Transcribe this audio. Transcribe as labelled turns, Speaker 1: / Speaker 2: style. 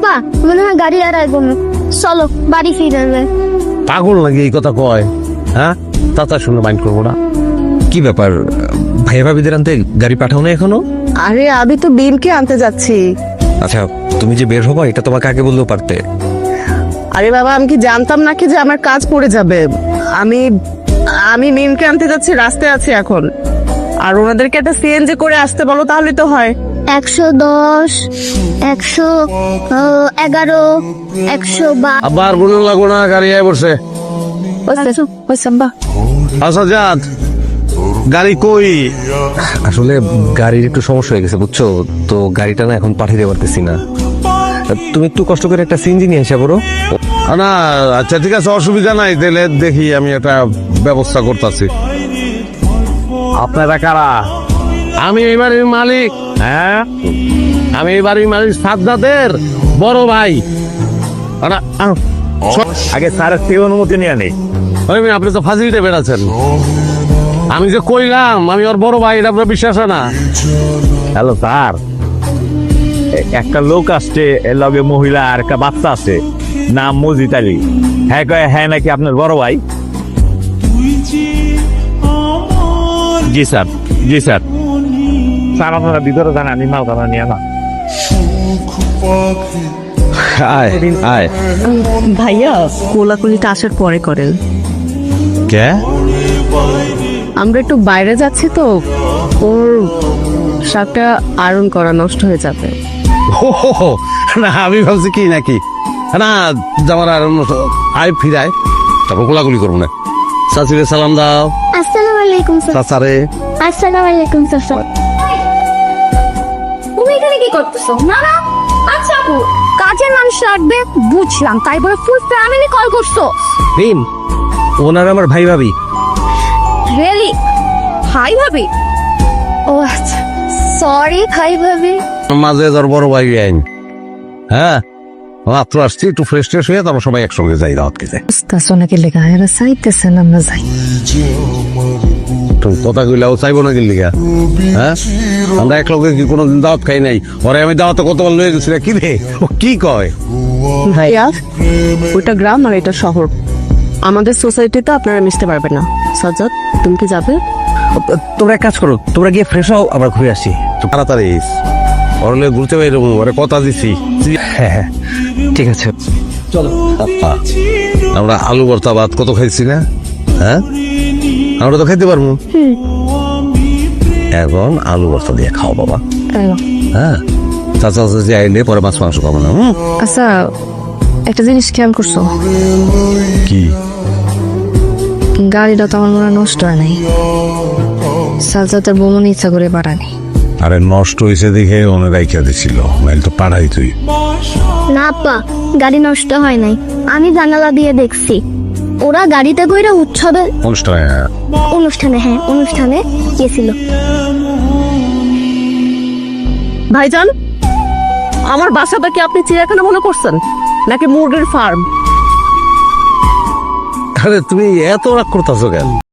Speaker 1: আব্বা মনে হয় গাড়ি আর আইব না, চলো বাড়ি ফিরে যায়।
Speaker 2: পাগল নাকি এই কথা কয়? হ্যাঁ, তাতা শুনে মাইন্ড করবো না।
Speaker 3: কি ব্যাপার, ভাইয়া ভাবিদের আনতে গাড়ি পাঠাও না এখনো?
Speaker 4: আরে আমি তো বিমকে আনতে যাচ্ছি।
Speaker 3: আচ্ছা, তুমি যে বের হবো এটা তোমাকে আগে বললেও পারতে।
Speaker 4: আরে বাবা, আমি কি জানতাম নাকি যে আমার কাজ পড়ে যাবে? আমি আমি মিমকে আনতে যাচ্ছি, রাস্তায় আছি এখন। আর ওনাদেরকে একটা সিএনজি করে আসতে বলো, তাহলে তো হয়।
Speaker 1: 110, 111, 112।
Speaker 2: আবার বলুন লাগবো না, গাড়ি আয় পড়ছে। আচ্ছা যাত, গাড়ি কই?
Speaker 3: আসলে গাড়ির একটু সমস্যা হয়ে গেছে বুঝছো তো, গাড়িটা না এখন পাঠিয়ে দিতে পারতেছি না। তুমি একটু কষ্ট করে একটা সিএনজি নিয়ে আসা বলো।
Speaker 2: না আচ্ছা ঠিক আছে, অসুবিধা নাই, তাহলে দেখি আমি একটা ব্যবস্থা করতেছি। আপনারা কারা? আমি এই বাড়ির মালিক। হ্যাঁ, আমি এই বাড়ির মালিক সাজ্জাদের বড় ভাই।
Speaker 5: আগে স্যারের থেকে অনুমতি নিয়ে নেই।
Speaker 2: আপনি তো ফাজিলটা বেড়াচ্ছেন। আমি যে কইলাম আমি ওর বড় ভাই, এটা আপনার বিশ্বাস হয় না?
Speaker 5: হ্যালো স্যার, একটা লোক আসছে, এর লগে মহিলা আর একটা বাচ্চা আছে, নাম মজিদ আলী। হ্যাঁ কয় হ্যাঁ নাকি আপনার বড় ভাই। জি স্যার, জি স্যার। স্যার আপনারা ভিতরে যান, আমি মালখানা নিয়ে না।
Speaker 3: আয় আয়।
Speaker 4: ভাইয়া কোলাকুলিটা আসার পরে করেন।
Speaker 3: কে?
Speaker 4: আমরা একটু বাইরে যাচ্ছি তো, ওর শার্টটা আয়রন করা নষ্ট হয়ে যাবে।
Speaker 2: না আমি ভাবছি কি নাকি, না যাওয়ার আর আয় ফিরায় তারপর গোলাগুলি করবো না। চাচিরে সালাম দাও।
Speaker 1: আসসালামু আলাইকুম স্যার।
Speaker 2: চাচারে
Speaker 1: আসসালামু আলাইকুম স্যার। তুমি এখানে কি করতেছো? না না, আচ্ছা আপু, কাজের মানুষ লাগবে বুঝলাম, তাই বলে ফুল ফ্যামিলি কল করছো?
Speaker 3: ভীম, ওনার আমার ভাই ভাবি।
Speaker 1: রিয়েলি? ভাই ভাবি? ও আচ্ছা, সরি ভাই ভাবি।
Speaker 2: মাঝে তোর বড় ভাই আইন। হ্যাঁ মাত্র আসছি, একটু ফ্রেশ ট্রেশ হয়ে তারপর সবাই একসঙ্গে যাই রাত খেতে।
Speaker 6: নাকি লেখা এরা চাইতেছেন আমরা যাই।
Speaker 2: তুমি কথা কইলাও চাইবো না গেলি গা? হ্যাঁ, আমরা এক লোকে কি কোনোদিন দাওয়াত খাই নাই? ওরে আমি দাওয়াতে কতবার লয়ে গেছি, কি রে ও কি কয়?
Speaker 4: ভাইয়া ওইটা গ্রাম আর এটা শহর, আমাদের সোসাইটিতে আপনারা মিশতে পারবেন না। সাজ্জাদ, তুমি কি যাবে?
Speaker 3: তোমরা এক কাজ করো, তোমরা গিয়ে ফ্রেশ হও, আমরা ঘুরে আসি।
Speaker 2: তাড়াতাড়ি ওরলে ঘুরতে বাইরে ওরে কথা দিছি।
Speaker 3: হ্যাঁ হ্যাঁ ঠিক আছে।
Speaker 2: আমরা আলু ভর্তা ভাত কত খাইছি না? হ্যাঁ, আমরা তো খাইতে পারবো। এখন আলু ভর্তা দিয়ে খাও বাবা। হ্যাঁ, চাচা চাচি আইলে পরে মাছ মাংস খাবো না।
Speaker 6: আচ্ছা, একটা জিনিস খেয়াল করছো?
Speaker 2: কি?
Speaker 6: গাড়িটা তো আমার মনে হয় নষ্ট হয় নাই। সালসাতের বোমন ইচ্ছা করে পাঠানি।
Speaker 2: আরে নষ্ট হয়েছে দেখে ওনে রাইখা দিছিল, নাইলে তো পাঠাই তুই।
Speaker 1: না আপা, গাড়ি নষ্ট হয় নাই, আমি জানালা দিয়ে দেখছি। ওরা গাড়িতে কইরা উৎসবে অনুষ্ঠানে গেছিল।
Speaker 4: ভাইজান, আমার বাসাটা কি আপনি চিড়িয়াখানা মনে করছেন নাকি মুরগির ফার্ম?
Speaker 2: আরে তুমি এত রাগ করতেছো কেন?